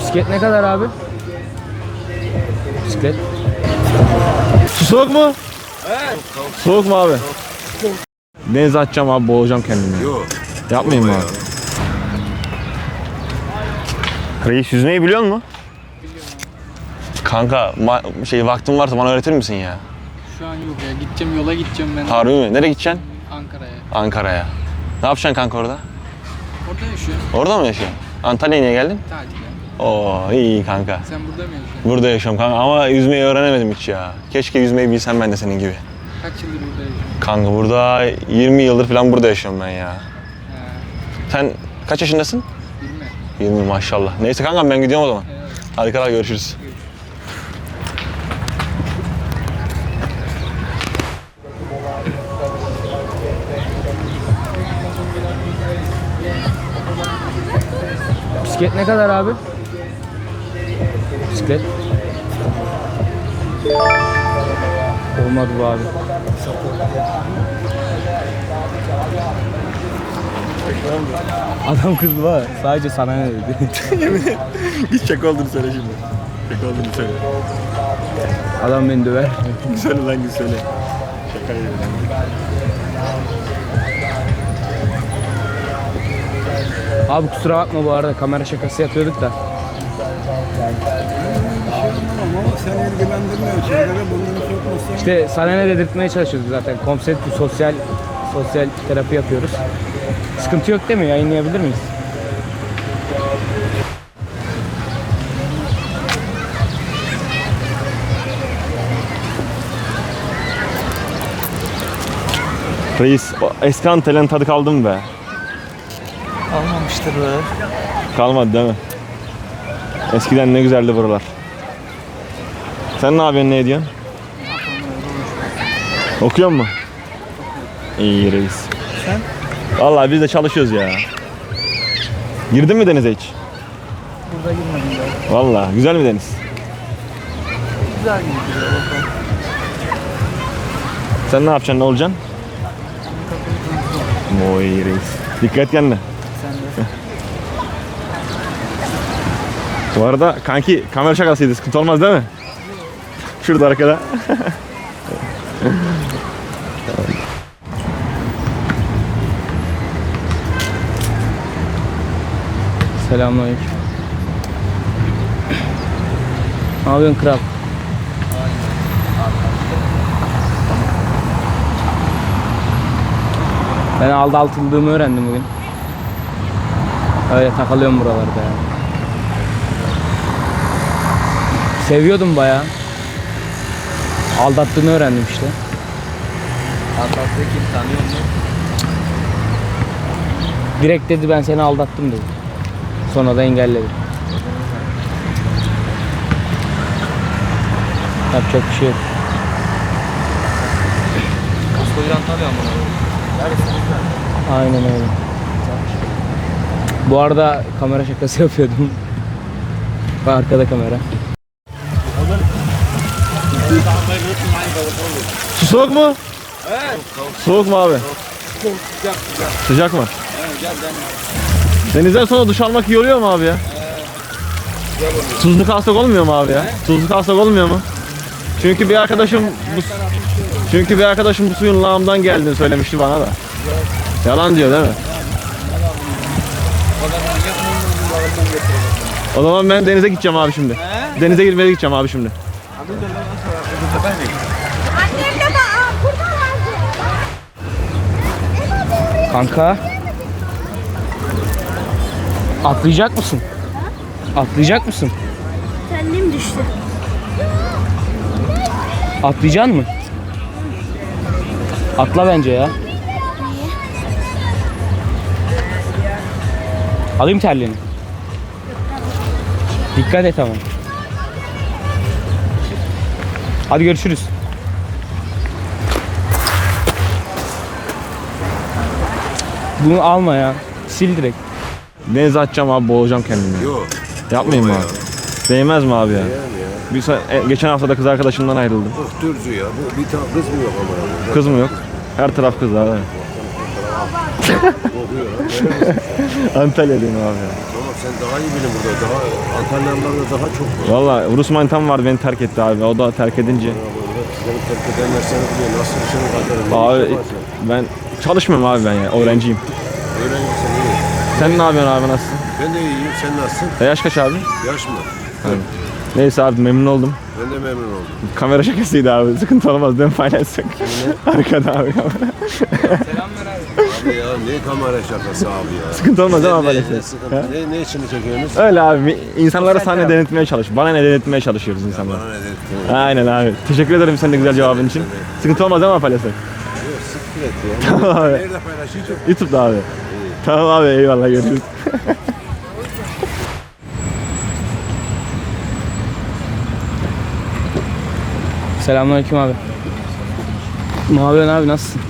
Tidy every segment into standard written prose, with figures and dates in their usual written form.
Bisiklet ne kadar abi? Bisiklet. Su soğuk mu? Evet. Soğuk mu abi? Denize atacağım abi, boğulacağım kendimi. Yok. Yapmayayım mı abi? Reis, yüzmeyi biliyor musun? Biliyorum. Kanka vaktin varsa bana öğretir misin ya? Şu an yok ya. Gideceğim, yola gideceğim ben. Harbi mi? Nereye gideceksin? Ankara'ya. Ankara'ya. Ne yapacaksın kanka orada? Orada yaşıyorum. Orada mı yaşıyorsun? Antalya'ya niye geldin? Tatile. Oo, iyi kanka. Sen burada mı yaşıyorsun? Burada yaşıyorum kanka ama yüzmeyi öğrenemedim hiç ya. Keşke yüzmeyi bilsem ben de senin gibi. Kaç yıldır burada yaşıyorsun? Kanka burada 20 yıldır falan burada yaşıyorum ben ya. He. Sen kaç yaşındasın? 20. 20 maşallah. Neyse kankam, ben gidiyorum o zaman. Evet. Hadi kadar görüşürüz. Bisiklet ne kadar abi? Bisiklet. Olmadı bu abi. Adam kızdı var. Sadece sana ne dedi? Git şaka olduğunu söyle şimdi. Şaka olduğunu söyle. Adam beni döver. Söyle lan, git söyle. Şaka yapıyorum. Abi kusura bakma, bu arada kamera şakası yapıyorduk da. Ama sen ilgilendirmiyor. Şeylere burnunu sokmasın. İşte sana ne dedirtmeye çalışıyoruz zaten. Konseptli sosyal terapi yapıyoruz. Sıkıntı yok değil mi? Yayınlayabilir miyiz? Reis, eski Antalya'nın tadı kaldı mı be? Almamıştır be. Kalmadı değil mi? Eskiden ne güzeldi buralar. Sen ne yapıyorsun, ne ediyorsun? Okuyor musun? İyi reis. Sen? Vallahi biz de çalışıyoruz ya. Girdin mi denize hiç? Burada girmedim daha. Vallahi güzel mi deniz? Güzel gibi duruyor bakalım. Sen ne yapacaksın, ne olacaksın? Oy reis. Dikkat kendine. Sen de. Bu arada kanki kamera şakasıydı, sıkıntı olmaz değil mi? Şurada arkada. Selamünaleyküm. Ne yapıyorsun kral? Ben aldatıldığımı öğrendim bugün. Öyle takılıyorum buralarda ya. Seviyordum bayağı. Aldattığını öğrendim işte. Antakya kim tanıyor musun? Direkt dedi ben seni aldattım dedi. Sonra da engelledi. Yapacak bir şey yok. Koskoca Antalya mı? Aynen öyle. Bu arada kamera şakası yapıyordum. Arkada kamera. Su soğuk mu? Evet. Soğuk mu abi? Sıcak. Sıcak mı? Evet, gel. Denizden sonra duş almak iyi oluyor mu abi ya? Tuzlu kalsak olmuyor mu abi ya? Tuzlu kalsak olmuyor mu? Çünkü bir arkadaşım bu suyun lağımdan geldiğini söylemişti bana da. Yalan diyor değil mi? O zaman ben denize gideceğim abi şimdi. Denize girmeye gideceğim abi şimdi. Annem de burada vardı. Kanka. Atlayacak mısın? Atlayacak mısın? Kendim düştü. Atlayacaksın mı? Atla bence ya. Alayım terliğini. Dikkat et ama. Hadi görüşürüz. Bunu alma ya. Sil direkt. Denize atacağım abi, boğulacağım kendimi. Yok. Yapmayayım mı abi? Değmez mi abi ya? Geçen hafta da kız arkadaşımdan ayrıldım. Dürzü ya. Bu bir tane kız mı yok ama ya? Kız mı yok? Her taraf kızlar. Kokuyor lan. Antalya'dayım abi ya. Ama sen daha iyi bilin burada. Daha Antalyalılarda daha çok var. Valla Rus manitam vardı, beni terk etti abi. O da terk edince. Ya burada seni terk edenler seni biliyor. Nasıl senin kaderin? Abi ben çalışmıyorum abi, ben ya. Öğrenciyim. Öğrencisin iyi. Sen ne yapıyorsun abi, nasılsın? Ben de iyiyim. Sen nasılsın? Yaş kaç abi? Yaş mı? Neyse abi, memnun oldum. Ben de memnun oldum. Kamera şakasıydı abi. Sıkıntı olmaz değil mi, paylaşsak? Arkada abi kamera. Selam ver abi. Abi ya ne kamera şakası abi ya. Sıkıntı olmaz değil mi Ne paylaşsak? sıkıntı? Ne için çekiyorsunuz? Öyle abi, insanlara sahne denetmeye çalış. Bana ne denetmeye çalışıyoruz insanlara. Bana ne dedin? Aynen abi. Teşekkür ederim senin de güzel cevabın için. Sıkıntı olmaz değil mi paylaşsak? Yok siktir et ya. Tamam abi. Nerede paylaşacağım? YouTube'da abi. Tamam abi, eyvallah, görüşürüz. Selamünaleyküm abi. Ne yapıyorsun abi, nasılsın?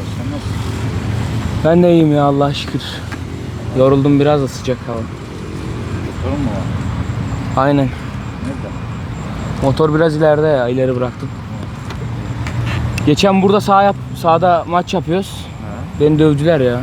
Ben de iyiyim ya, Allah'a şükür. Yoruldum biraz da, sıcak hava. Sorun mu var? Aynen. Nerede? Motor biraz ileride ya, ileri bıraktım. Geçen burada sahada maç yapıyoruz. Beni dövdüler ya.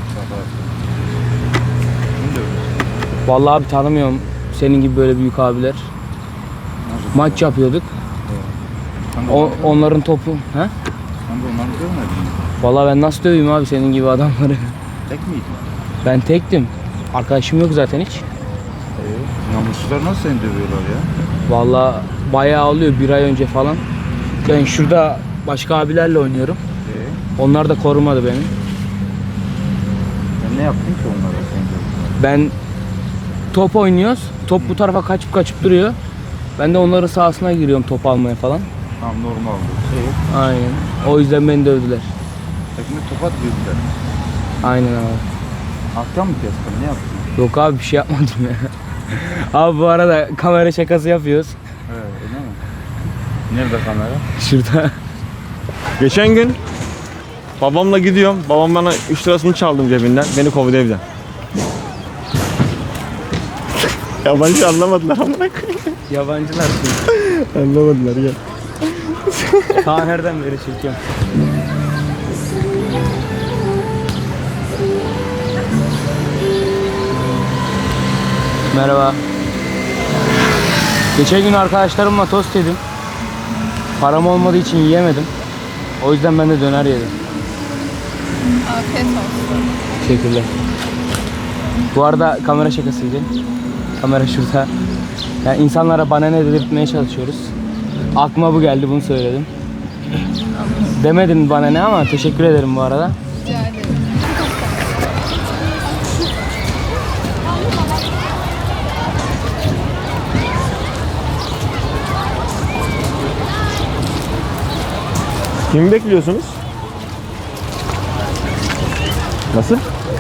Vallahi abi tanımıyorum senin gibi böyle büyük abiler. Maç yapıyorduk. Onların topu. He? Sen de onları görmedin mi? Vallahi ben nasıl döveyim abi senin gibi adamları? Tek miydin? Ben tektim. Arkadaşım yok zaten hiç. Namussuzlar nasıl seni dövüyorlar ya? Vallahi bayağı oluyor, bir ay önce falan. Ben şurada başka abilerle oynuyorum. Onlar da korumadı beni. Sen ne yaptın ki onlara seni dövüyorlar? Ben top oynuyoruz. Top bu tarafa kaçıp duruyor. Ben de onların sahasına giriyorum top almaya falan. Tamam, normal bu. Aynen. O yüzden beni dövdüler. Tekme tokat dövdüler. Aynen abi. Alttan mı kestin? Ne yaptın? Yok abi, bir şey yapmadım ya. Abi bu arada kamera şakası yapıyoruz. Evet, öyle mi? Nerede kamera? Şurada. Geçen gün babamla gidiyorum. Babam bana 3 lirasını çaldım cebinden. Beni kovdu evden. Yabancı anlamadılar amına koyayım. Yabancılar. Anlamadılar ya. Ta nereden beri çekiyorum. Merhaba. Geçen gün arkadaşlarımla tost yedim. Param olmadığı için yiyemedim. O yüzden ben de döner yedim. Afiyet olsun. Teşekkürler. Bu arada kamera şakasıydı. Kamera şurada. Yani insanlara bana ne dedirtmeye çalışıyoruz. Aklıma bu geldi, bunu söyledim. Demedin bana ne, ama teşekkür ederim bu arada. Rica ederim. Kimi bekliyorsunuz? Nasıl?